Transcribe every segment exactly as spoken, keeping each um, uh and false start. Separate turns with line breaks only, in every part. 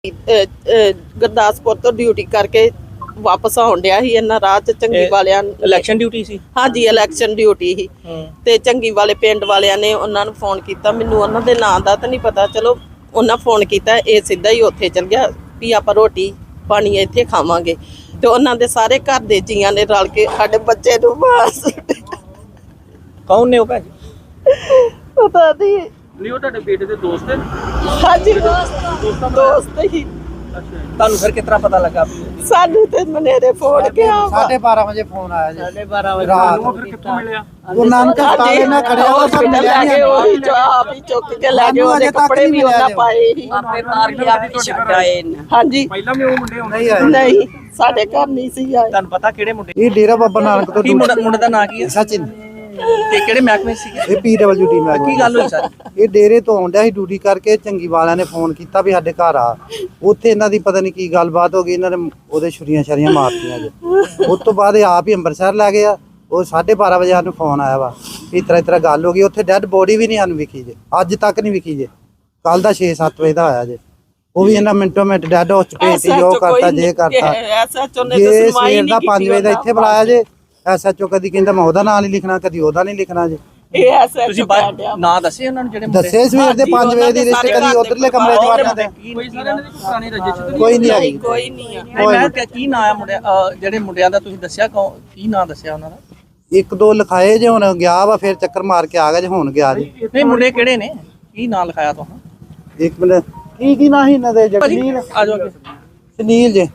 ਗੁਰਦਾਸਪੁਰ ਤੋਂ ਡਿਊਟੀ ਕਰਕੇ ਵਾਪਸ ਆਉਣ ਡਿਆ ਸੀ ਇਹਨਾਂ ਰਾਹ ਚ ਚੰਗੀ ਵਾਲਿਆਂ
ਇਲੈਕਸ਼ਨ ਡਿਊਟੀ ਸੀ।
ਹਾਂਜੀ ਇਲੈਕਸ਼ਨ ਡਿਊਟੀ ਸੀ ਤੇ ਚੰਗੀ ਵਾਲੇ ਪਿੰਡ ਵਾਲਿਆਂ ਨੇ ਉਹਨਾਂ ਨੂੰ ਫੋਨ ਕੀਤਾ। ਮੈਨੂੰ ਉਹਨਾਂ ਦੇ ਨਾਂ ਦਾ ਤਾਂ ਨਹੀਂ ਪਤਾ, ਚਲੋ ਉਹਨਾਂ ਫੋਨ ਕੀਤਾ, ਇਹ ਸਿੱਧਾ ਹੀ ਉੱਥੇ ਚਲ ਗਿਆ ਵੀ ਆਪਾਂ ਰੋਟੀ ਪਾਣੀ ਇੱਥੇ ਖਾਵਾਂਗੇ ਤੇ ਉਹਨਾਂ ਦੇ ਸਾਰੇ ਘਰ ਦੇ ਜੀਆਂ ਨੇ ਰਲ ਕੇ ਸਾਡੇ ਬੱਚੇ ਨੂੰ ਮਾਰ ਸੁੱਟਿਆ।
ਕੌਣ ਨੇ ਉਹ ਭੈਣ ਜੀ?
ਪਤਾ ਨਹੀਂ।
ਨਹੀਂ ਉਹ ਤੁਹਾਡੇ ਬੇਟੇ ਦੇ ਦੋਸਤ ਹੈ?
ਹਾਂਜੀ ਦੋਸਤ ਦੋਸਤ ਹੀ।
ਤੁਹਾਨੂੰ ਫਿਰ ਕਿਸ ਤਰ੍ਹਾਂ ਪਤਾ ਲੱਗਾ?
ਸਾਨੂੰ ਤੇ ਮਨੇਰੇ ਫੋਨ ਗਿਆ
ਸਾਢੇ ਬਾਰਾਂ ਵਜੇ ਫੋਨ ਆਇਆ ਜੀ।
ਸਾਢੇ ਬਾਰਾਂ ਵਜੇ
ਰਾਤ
ਨੂੰ ਫਿਰ ਕਿੱਥੋਂ ਮਿਲਿਆ?
ਉਹ ਨਾਨਕ ਹਸਪਤਾਲ ਨਾਲ ਖੜਿਆ ਉਹ ਸਭ ਮਿਲਿਆ ਨਹੀਂ।
ਉਹੀ ਜੋ ਆਪ ਹੀ ਚੁੱਕ ਕੇ ਲੈ ਗਏ, ਉਹਦੇ ਕੱਪੜੇ ਵੀ ਉਹਨਾਂ ਪਾਏ ਸੀ।
ਆਪੇ ਮਾਰ ਕੇ ਆਪੇ ਛੱਡ ਆਏ ਨੇ।
ਹਾਂਜੀ
ਪਹਿਲਾਂ ਵੀ ਉਹ ਮੁੰਡੇ
ਨਹੀਂ ਆਏ।
ਨਹੀਂ ਸਾਡੇ ਘਰ ਨਹੀਂ ਸੀ ਆਏ।
ਤੁਹਾਨੂੰ ਪਤਾ ਕਿਹੜੇ ਮੁੰਡੇ?
ਇਹ ਡੇਰਾ ਬਾਬਾ ਨਾਨਕ ਤੋਂ
ਕੀ ਮੁੰਡਾ ਮੁੰਡੇ ਦਾ ਨਾਂ ਕੀ ਹੈ?
ਸਚਿਨ।
ਤੇ ਕਿਹੜੇ ਮਹਿਕਮੇ ਸੀਗੇ?
ਇਹ ਪੀ ਡਬਲਯੂ ਡੀ ਮੈਂ
ਕੀ ਗੱਲ ਹੋਈ ਸਰ?
ਇਹ ਡੇਰੇ ਤੋਂ ਆਉਂਦਿਆ ਸੀ ਡਿਊਟੀ ਕਰਕੇ, ਚੰਗੀ ਵਾਲਿਆਂ ਨੇ ਫੋਨ ਕੀਤਾ ਵੀ ਸਾਡੇ ਘਰ ਆ। ਉੱਥੇ ਇਹਨਾਂ ਦੀ ਪਤਾ ਨਹੀਂ ਕੀ ਗੱਲਬਾਤ ਹੋ ਗਈ, ਇਹਨਾਂ ਨੇ ਉਹਦੇ ਛੁਰੀਆਂ ਛਰੀਆਂ ਮਾਰਤੀਆਂ ਜੀ। ਉਸ ਤੋਂ ਬਾਅਦ ਇਹ ਆਪ ਹੀ ਅੰਮ੍ਰਿਤਸਰ ਲੈ ਗਏ ਆ। ਉਹ ਸਾਢੇ ਬਾਰਾਂ ਵਜੇ ਸਾਨੂੰ ਫੋਨ ਆਇਆ ਵਾ ਇਸ ਤਰ੍ਹਾਂ ਇਸ ਤਰ੍ਹਾਂ ਗੱਲ ਹੋ ਗਈ। ਉੱਥੇ ਡੈਡ ਬੋਡੀ ਵੀ ਨਹੀਂ ਸਾਨੂੰ ਵਿਖੀ ਜੇ, ਅੱਜ ਤੱਕ ਨਹੀਂ ਵਿਖੀ ਜੇ। ਕੱਲ ਦਾ ਛੇ ਸੱਤ ਵਜੇ ਦਾ ਹੋਇਆ ਜੇ, ਉਹ ਵੀ ਇਹਨਾਂ ਮਿੰਟੋ ਮਿੰਟ ਡੈਡ ਹੋ ਚੁੱਕੇ, ਜੋ ਕਰਤਾ ਜੇ ਕਰਤਾ। ਜੇ ਸਵੇਰ ਦਾ ਪੰਜ ਵਜੇ ਦਾ ਇੱਥੇ ਬੁਲਾਇਆ ਜੇ, ਐਸ ਐਚ ਓ ਕਦੀ ਕਹਿੰਦਾ ਮੈਂ ਉਹਦਾ ਨਾਂ ਨਹੀਂ ਲਿਖਣਾ, ਕਦੀ ਉਹਦਾ ਨਹੀਂ ਲਿਖਣਾ ਜੇ।
ਤੁਸੀਂ ਨਾਂ ਦੱਸੇ ਉਹਨਾਂ ਨੂੰ ਜਿਹੜੇ ਮੁੰਡੇ?
ਦੱਸੇ ਸਵੇਰ ਦੇ ਪੰਜ ਵਜੇ ਦੀ ਲਿਸਟ, ਕਦੀ ਉਧਰਲੇ ਕਮਰੇ ਚ ਵੜਨਾ ਤੇ
ਕੋਈ ਸਾਰਿਆਂ ਦੀ ਪੁਰਾਣੀ ਰਜਿਸਟਰ ਤਾਂ
ਕੋਈ ਨਹੀਂ ਆਈ।
ਕੋਈ ਨਹੀਂ ਆ।
ਮੈਂ ਕਿਹਾ ਕੀ ਨਾਂ ਆ ਮੁੰਡਿਆਂ ਜਿਹੜੇ ਮੁੰਡਿਆਂ ਦਾ ਤੁਸੀਂ ਦੱਸਿਆ, ਕੀ ਨਾਂ ਦੱਸਿਆ ਉਹਨਾਂ ਦਾ?
ਇੱਕ ਦੋ ਲਿਖਾਏ ਜੇ, ਹੁਣ ਗਿਆ ਵਾ ਫਿਰ ਚੱਕਰ ਮਾਰ ਕੇ ਆ ਗਿਆ ਜੇ, ਹੁਣ ਗਿਆ ਜੀ।
ਨਹੀਂ ਮੁੰਡੇ ਕਿਹੜੇ ਨੇ, ਕੀ ਨਾਂ ਲਿਖਾਇਆ ਤੁਹਾਨੂੰ?
ਇੱਕ ਮਿੰਟ ਕੀ ਕੀ ਨਾਂ ਸੀ ਇਹਨਾਂ ਦੇ? ਜਗਨੀਲ
ਆ ਜਾਓ ਅੱਗੇ,
ਸੁਨੀਲ ਜੇ,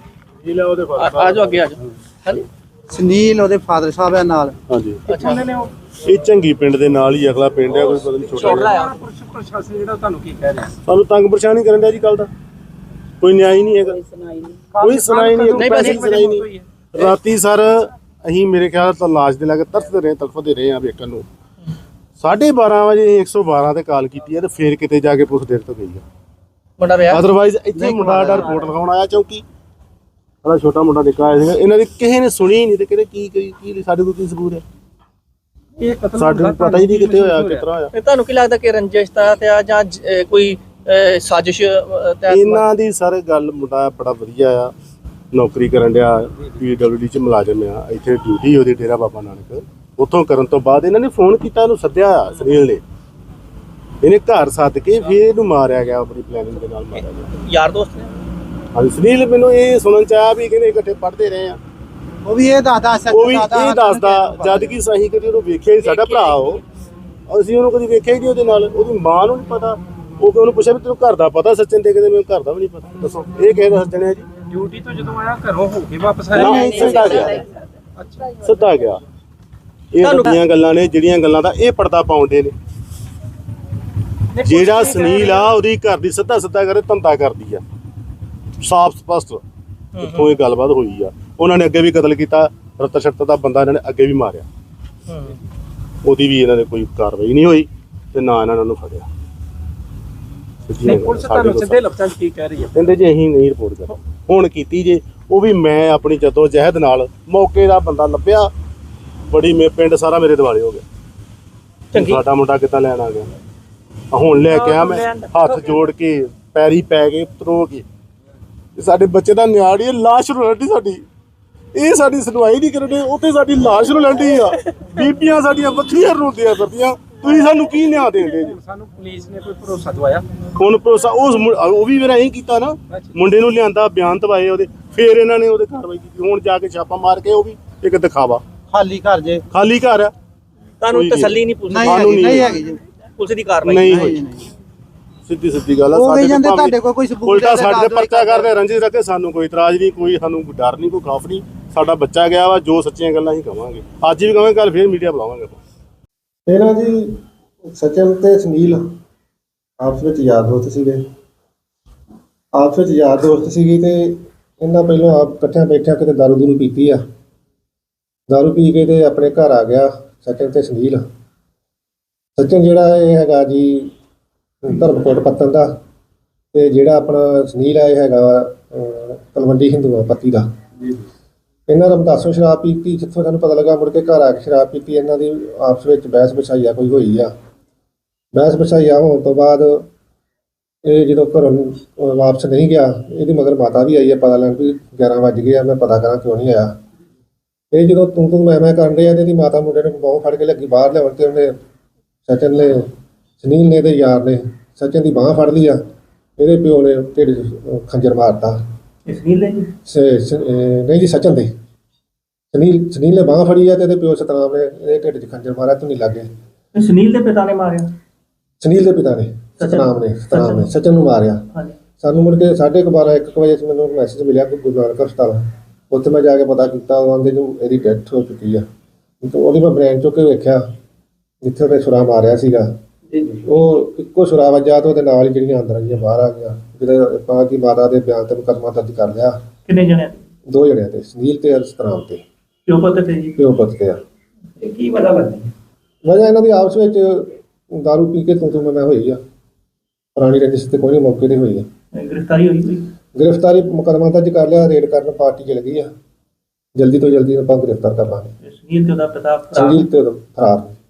ਆ ਜਾਓ ਅੱਗੇ ਆ ਜਾਓ। ਹਾਂਜੀ
ਸੁਨੀਲ ਉਹਦੇ ਫਾਦਰ ਸਾਹਿਬ ਆ ਨਾਲ।
ਹਾਂਜੀ
ਅੱਛਾ
ਇਹ ਚੰਗੀ ਪਿੰਡ ਦੇ ਨਾਲ ਹੀ ਅਗਲਾ ਪਿੰਡ ਹੈ, ਕੋਈ ਪਤਾ ਨਹੀਂ ਛੋਟਾ ਜਿਹਾ।
ਪ੍ਰਸ਼ਾਸਨ ਜਿਹੜਾ ਤੁਹਾਨੂੰ ਕੀ ਕਹਿ ਰਿਹਾ?
ਸਾਨੂੰ ਤੰਗ ਪਰੇਸ਼ਾਨੀ ਕਰਨ ਡਿਆ ਜੀ। ਕੱਲ ਦਾ ਕੋਈ ਨਿਆਂ ਹੀ ਨਹੀਂ ਹੈਗਾ, ਕੋਈ ਸੁਣਾਈ ਨਹੀਂ, ਕੋਈ ਪੈਸੇ ਦੀ ਸੁਣਾਈ ਨਹੀਂ। ਰਾਤੀ ਸਰ ਅਸੀਂ ਮੇਰੇ ਖਿਆਲ ਤਾਂ ਲਾਸ਼ ਦੇ ਲਾਗੇ ਤਰਸਦੇ ਰਹੇ, ਤੜਫਦੇ ਰਹੇ ਆ ਵੇਖਣ ਨੂੰ। ਸਾਢੇ ਬਾਰਾਂ ਵਜੇ ਇੱਕ ਸੌ ਬਾਰਾਂ ਤੇ ਕਾਲ ਕੀਤੀ ਹੈ ਤੇ ਫੇਰ ਕਿਤੇ ਜਾ ਕੇ ਪੁਲਿਸ ਦੇਰ ਤੋਂ ਗਈ ਆ।
ਮੁੰਡਾ ਵਿਆਹ?
ਅਦਰਵਾਈਜ਼ ਇੱਥੇ ਮੁੰਡਾ ਦਾ ਰਿਪੋਰਟ ਲਿਖਾਉਣ ਆਇਆ ਚੌਂਕੀ, ਬੜਾ ਛੋਟਾ ਮੁੰਡਾ ਨਿੱਕਾ ਆਇਆ ਸੀਗਾ। ਇਹਨਾਂ ਦੀ ਕਿਸੇ ਨੇ ਸੁਣੀ ਨਹੀਂ ਤੇ ਕਹਿੰਦੇ ਕੀ ਕੀ ਕੀ ਸਾਡੇ ਕੋਲ ਕੀ ਸਬੂਤ ਹੈ? ਸਾਡੇ ਨੂੰ ਪਤਾ ਹੀ ਨਹੀਂ ਕਿੱਥੇ ਹੋਇਆ, ਕਿਸ ਤਰ੍ਹਾਂ ਹੋਇਆ।
ਤੁਹਾਨੂੰ ਕੀ ਲੱਗਦਾ ਕਿ ਰੰਜਿਸ਼ ਤਹਿਤ ਆ ਜਾਂ ਜ- ਕੋਈ ਸਾਜ਼ਿਸ਼ ਤਹਿਤ?
ਇਹਨਾਂ ਦੀ ਸਰ ਗੱਲ, ਮੁੰਡਾ ਬੜਾ ਵਧੀਆ ਆ, ਨੌਕਰੀ ਕਰਨ ਡਿਆ, ਪੀ ਡਬਲਯੂ ਡੀ ਚ ਮੁਲਾਜ਼ਮ ਆ। ਇੱਥੇ ਡਿਊਟੀ ਉਹਦੀ ਡੇਰਾ ਬਾਬਾ ਨਾਨਕ। ਉੱਥੋਂ ਕਰਨ ਤੋਂ ਬਾਅਦ ਇਹਨਾਂ ਨੇ ਫੋਨ ਕੀਤਾ, ਇਹਨੂੰ ਸੱਦਿਆ ਸੁਨੀਲ ਨੇ। ਇਹਨੇ ਘਰ ਸੱਦ ਕੇ ਫਿਰ ਇਹਨੂੰ ਮਾਰਿਆ ਗਿਆ, ਆਪਣੀ ਪਲੈਨਿੰਗ ਦੇ ਨਾਲ ਮਾਰਿਆ ਗਿਆ।
ਯਾਰ ਦੋਸਤ ਨੇ?
ਹਾਂਜੀ ਸੁਨੀਲ ਮੈਨੂੰ ਇਹ ਸੁਣਨ ਚ ਆਇਆ ਵੀ ਕਹਿੰਦੇ ਇਕੱਠੇ ਪੜ੍ਹਦੇ ਰਹੇ ਆ।
ਉਹ ਵੀ ਇਹ ਦੱਸਦਾ,
ਉਹ ਵੀ ਇਹ ਦੱਸਦਾ, ਜਦ ਕਿ ਸਹੀ ਕਦੀ ਉਹਨੂੰ ਵੇਖਿਆ ਹੀ, ਸਾਡਾ ਭਰਾ ਉਹ, ਅਸੀਂ ਉਹਨੂੰ ਕਦੀ ਵੇਖਿਆ ਹੀ ਨਹੀਂ। ਉਹਦੇ ਨਾਲ ਉਹਦੀ ਮਾਂ ਨੂੰ ਨਹੀਂ ਪਤਾ। ਉਹ ਉਹਨੂੰ ਪੁੱਛਿਆ ਵੀ ਤੈਨੂੰ ਘਰ ਦਾ ਪਤਾ? ਸੱਚਨ ਤੇ ਕਹਿੰਦੇ ਮੈਨੂੰ ਘਰ ਦਾ ਵੀ ਨਹੀਂ ਪਤਾ। ਦੱਸੋ ਇਹ ਕਿਸੇ ਦਾ ਸੱਜਣ ਹੈ ਜੀ?
ਡਿਊਟੀ ਤੋਂ ਜਦੋਂ ਆਇਆ ਘਰੋਂ ਹੋ ਕੇ ਵਾਪਸ ਆਇਆ?
ਨਹੀਂ, ਸਿੱਧਾ ਗਿਆ, ਸਿੱਧਾ ਗਿਆ। ਇਹ ਵੱਡੀਆਂ ਗੱਲਾਂ ਨੇ ਜਿਹੜੀਆਂ ਗੱਲਾਂ ਦਾ ਇਹ ਪਰਦਾ ਪਾਉਂਦੇ ਨੇ। ਜਿਹੜਾ ਸੁਨੀਲ ਆ ਉਹਦੀ ਘਰ ਦੀ ਸਿੱਧਾ ਸਿੱਧਾ ਕਰੇ ਧੰਦਾ ਕਰਦੀ ਆ, ਸਾਫ਼ ਸਪਸ਼ਟ ਇੱਥੋਂ ਇਹ ਗੱਲਬਾਤ ਹੋਈ ਆ। ਉਹਨਾਂ ਨੇ ਅੱਗੇ ਵੀ ਕਤਲ ਕੀਤਾ, ਰਤ ਸ਼ਰਤ ਦਾ ਬੰਦਾ ਇਹਨਾਂ ਨੇ ਅੱਗੇ ਵੀ ਮਾਰਿਆ, ਉਹਦੀ ਵੀ ਇਹਨਾਂ ਨੇ ਕੋਈ ਕਾਰਵਾਈ ਨਹੀਂ ਹੋਈ ਤੇ ਨਾ ਇਹਨਾਂ ਨੂੰ ਫੜਿਆ।
ਪੁਲਿਸ ਤੁਹਾਨੂੰ ਸਿੱਧੇ ਲਫ਼ਜ਼ਾਂ 'ਚ ਕੀ ਕਹਿ ਰਹੀ ਹੈ?
ਕਹਿੰਦੇ ਜੀ ਅਸੀਂ ਨਹੀਂ ਰਿਪੋਰਟ ਕਰ ਹੁਣ ਕੀਤੀ ਜੇ, ਉਹ ਵੀ ਮੈਂ ਆਪਣੀ ਜੱਦੋ ਜਹਿਦ ਨਾਲ ਮੌਕੇ ਦਾ ਬੰਦਾ ਲੱਭਿਆ। ਬੜੀ ਮੇ ਪਿੰਡ ਸਾਰਾ ਮੇਰੇ ਦਿਵਾਲੇ ਹੋ ਗਿਆ, ਸਾਡਾ ਮੁੰਡਾ ਕਿੱਦਾਂ ਲੈਣ ਆ ਗਿਆ। ਹੁਣ ਲੈ ਕੇ ਆ ਮੈਂ ਹੱਥ ਜੋੜ ਕੇ ਪੈਰੀ ਪੈ ਕੇ ਤਰੋ ਕੇ, ਸਾਡੇ ਬੱਚੇ ਦਾ ਨਿਆੜੀ ਲਾਸ਼ ਰੋਲਦੀ ਸਾਡੀ, ਇਹ ਸਾਡੀ ਸੁਣਵਾਈ ਨਹੀਂ ਕਰਦੇ। ਉੱਥੇ ਸਾਡੀ ਲਾਸ਼ ਰੋਲਦੀ ਆ, ਬੀਬੀਆਂ ਸਾਡੀਆਂ ਵੱਖਰੀਆਂ ਰੋਂਦੀਆਂ ਫਿਰਦੀਆਂ। ਤੁਸੀਂ ਸਾਨੂੰ ਕੀ ਨਿਆਂ ਦੇਂਦੇ ਜੀ?
ਸਾਨੂੰ ਪੁਲਿਸ ਨੇ ਕੋਈ ਭਰੋਸਾ ਦਵਾਇਆ?
ਹੁਣ ਭਰੋਸਾ ਉਸ ਉਹ ਵੀ ਮੇਰਾ ਇਹੀ ਕੀਤਾ ਨਾ, ਮੁੰਡੇ ਨੂੰ ਲਿਆਂਦਾ, ਬਿਆਨ ਦਵਾਏ ਉਹਦੇ, ਫੇਰ ਇਹਨਾਂ ਨੇ ਉਹਦੇ ਕਾਰਵਾਈ ਕੀਤੀ। ਹੁਣ ਜਾ ਕੇ ਛਾਪਾ ਮਾਰ ਕੇ ਉਹ ਵੀ ਇੱਕ ਦਿਖਾਵਾ,
ਖਾਲੀ ਘਰ ਜੇ,
ਖਾਲੀ ਘਰ ਆ।
ਤੁਹਾਨੂੰ ਤਸੱਲੀ ਨਹੀਂ ਪੁਲਿਸ
ਨਹੀਂ ਹੈਗੀ, ਨਹੀਂ ਹੈਗੀ ਜੀ,
ਪੁਲਿਸ ਦੀ ਕਾਰਵਾਈ
ਨਹੀਂ ਹੋਈ। ਸਿੱਧੀ ਸਿੱਧੀ ਗੱਲ ਆ।
ਉਹ ਵੀ ਜਾਂਦੇ ਤੁਹਾਡੇ ਕੋਲ ਕੋਈ ਸਬੂਤ
ਉਲਟਾ ਸਾਡੇ ਤੇ ਪਰਚਾ ਕਰਦੇ, ਰੰਜਿਸ਼ ਰੱਖੇ। ਸਾਨੂੰ ਕੋਈ ਇਤਰਾਜ਼ ਨਹੀਂ, ਕੋਈ ਸਾਨੂੰ ਡਰ ਨਹੀਂ, ਕੋਈ ਖੌਫ ਨਹੀਂ। ਸਾਡਾ ਬੱਚਾ ਗਿਆ ਵਾ, ਜੋ ਸੱਚੀਆਂ ਗੱਲਾਂ ਹੀ ਕਵਾਂਗੇ, ਅੱਜ ਵੀ ਕਵਾਂਗੇ, ਕੱਲ ਫੇਰ ਮੀਡੀਆ ਬੁਲਾਵਾਂਗੇ।
ਇਹਨਾਂ ਜੀ ਸਚਿਨ ਤੇ ਸੁਨੀਲ ਆਪਸ ਵਿੱਚ ਯਾਰ ਦੋਸਤ ਸੀਗੇ, ਆਪਸ ਵਿੱਚ ਯਾਰ ਦੋਸਤ ਸੀਗੀ ਤੇ ਇਹਨਾਂ ਪਹਿਲਾਂ ਆਪ ਇਕੱਠਿਆਂ ਬੈਠਿਆਂ ਕਿਤੇ ਦਾਰੂ ਦੂਰੂ ਪੀਤੀ ਆ। ਦਾਰੂ ਪੀ ਕੇ ਤੇ ਆਪਣੇ ਘਰ ਆ ਗਿਆ ਸਚਿਨ ਤੇ ਸੁਨੀਲ। ਸਚਿਨ ਜਿਹੜਾ ਇਹ ਹੈਗਾ ਜੀ ਧਰਮਕੋਟ ਪੱਤਨ ਦਾ, ਤੇ ਜਿਹੜਾ ਆਪਣਾ ਸੁਨੀਲ ਆ ਇਹ ਹੈਗਾ ਤਲਵੰਡੀ ਹਿੰਦੂਆਂ ਪੱਤੀ ਦਾ। ਇਹਨਾਂ ਰਮਦਾਸੋਂ ਸ਼ਰਾਬ ਪੀਤੀ, ਜਿੱਥੋਂ ਸਾਨੂੰ ਪਤਾ ਲੱਗਾ ਮੁੜ ਕੇ ਘਰ ਆ ਕੇ ਸ਼ਰਾਬ ਪੀਤੀ। ਇਹਨਾਂ ਦੀ ਆਪਸ ਵਿੱਚ ਬਹਿਸ ਵਿਛਾਈਆ ਕੋਈ ਹੋਈ ਆ। ਬਹਿਸ ਵਿਛਾਈਆ ਹੋਣ ਤੋਂ ਬਾਅਦ ਇਹ ਜਦੋਂ ਘਰੋਂ ਨੂੰ, ਅਹ, ਵਾਪਸ ਨਹੀਂ ਗਿਆ, ਇਹਦੀ ਮਗਰ ਮਾਤਾ ਵੀ ਆਈ ਹੈ ਪਤਾ ਲੈਣ ਵੀ ਗਿਆਰਾਂ ਵੱਜ ਗਏ ਆ, ਮੈਂ ਪਤਾ ਕਰਾਂ ਕਿਉਂ ਨਹੀਂ ਆਇਆ। ਇਹ ਜਦੋਂ ਤੂੰ ਤੂੰ ਮੈਂ ਮੈਂ ਕਰਨ ਡਿਆ ਤੇ ਇਹਦੀ ਮਾਤਾ ਮੁੰਡੇ ਨੇ ਬਾਹੋਂ ਫੜ ਕੇ ਲੱਗੀ ਬਾਹਰ ਲਿਆਉਣ ਤੇ ਉਹਨੇ ਸਚਨ ਨੇ ਸੁਨੀਲ ਨੇ ਤੇ ਯਾਰ ਨੇ ਸਚਨ ਦੀ ਬਾਂਹ ਫੜ ਲਈ ਆ। ਇਹਦੇ ਪਿਓ ਨੇ ਢਿੱਡ 'ਚ ਖੰਜਰ ਮਾਰਤਾ।
ਸੁਨੀਲ ਨੇ ਜੀ
ਸ- ਸ- ਅਹ ਨਹੀਂ ਜੀ ਸਚਨ ਦੇ ਸੁਨੀਲ ਸੁਨੀਲ ਨੇ ਬਾਂਹ ਫੜੀ ਆ ਤੇ ਇਹਦੇ ਪਿਓ ਸਤਨਾਮ ਨੇ ਇਹਦੇ ਢਿੱਡ 'ਚ ਖੰਜਰ ਮਾਰਿਆ ਤੂੰ ਨਹੀਂ ਲੱਗੇ।
ਤੇ ਸੁਨੀਲ ਦੇ ਪਿਤਾ ਨੇ ਮਾਰਿਆ।
ਸੁਨੀਲ ਦੇ ਪਿਤਾ ਨੇ ਸਤਨਾਮ ਨੇ ਸਤਨਾਮ ਨੇ ਸਚਨ ਨੂੰ ਮਾਰਿਆ।
ਹਾਂਜੀ
ਸਾਨੂੰ ਮੁੜ ਕੇ ਸਾਢੇ ਕੁ ਬਾਰਾਂ ਇੱਕ ਕੁ ਵਜੇ ਮੈਨੂੰ ਮੈਸੇਜ ਮਿਲਿਆ ਕਿ ਗੁਰੂ ਨਾਨਕ ਹਸਪਤਾਲ, ਉੱਥੇ ਮੈਂ ਜਾ ਕੇ ਪਤਾ ਕੀਤਾ, ਉਹ ਆਂਦੇ ਨੂੰ ਇਹਦੀ ਡੈਥ ਹੋ ਚੁੱਕੀ ਆ। ਤੇ ਉਹਦੀ ਮੈਂ ਬ੍ਰੇਨ ਚੁੱਕ ਕੇ ਵੇਖਿਆ ਜਿੱਥੇ ਉਹਨੇ ਛੁਰਾ ਮਾਰਿਆ ਸੀਗਾ, ਉਹ ਇੱਕੋ ਛੁਰਾ ਵੱਜਾ ਤੇ ਉਹਦੇ ਨਾਲ ਹੀ ਜਿਹੜੀਆਂ ਅੰਦਰ ਆਈਆਂ ਬਾਹਰ ਆ ਗਈਆਂ। ਜਿਹੜੇ ਆਪਾਂ ਕੀ ਮਾਤਾ ਦੇ ਬਿਆਨ ਤੇ ਮੁਕੱਦਮਾ ਦਰਜ ਕਰ ਲਿਆ
ਕਿੰਨੇ ਜਣੇ
ਦੋ ਜਣਿਆਂ ਤੇ, ਸੁਨੀਲ ਤੇ ਸਤਨਾਮ ਤੇ,
ਪਿਓ ਪੁੱਤ ਤੇ ਜੀ?
ਪਿਓ ਪੁੱਤ ਤੇ ਆ।
ਇਹ ਕੀ ਵਜ੍ਹਾ ਲੱਗਦੀ?
ਵਜ੍ਹਾ ਇਹਨਾਂ ਦੀ ਆਪਸ ਵਿੱਚ ਦਾਰੂ ਪੀ ਕੇ ਤੂੰ ਤੂੰ ਮੈਂ ਮੈਂ ਹੋਈ ਆ। ਪੁਰਾਣੀ ਰੰਜਿਸ਼ ਤੇ ਕੋਈ ਨਹੀਂ, ਮੌਕੇ ਤੇ ਹੋਈ ਆ।
ਗ੍ਰਿਫਤਾਰੀ ਹੋਈ ਕੋਈ?
ਗ੍ਰਿਫਤਾਰੀ ਮੁਕੱਦਮਾ ਦਰਜ ਕਰ ਲਿਆ, ਰੇਡ ਕਰਨ ਪਾਰਟੀ ਚਲ ਗਈ ਆ। ਜਲਦੀ ਤੋਂ ਜਲਦੀ ਆਪਾਂ ਗ੍ਰਿਫਤਾਰ ਕਰ ਲਾਂਗੇ।
ਸੁਨੀਲ ਤੇ ਉਹਦਾ ਪਿਤਾ ਫਰਾਰ?
ਸੁਨੀਲ ਤੇ ਉਹਦਾ ਫਰਾਰ।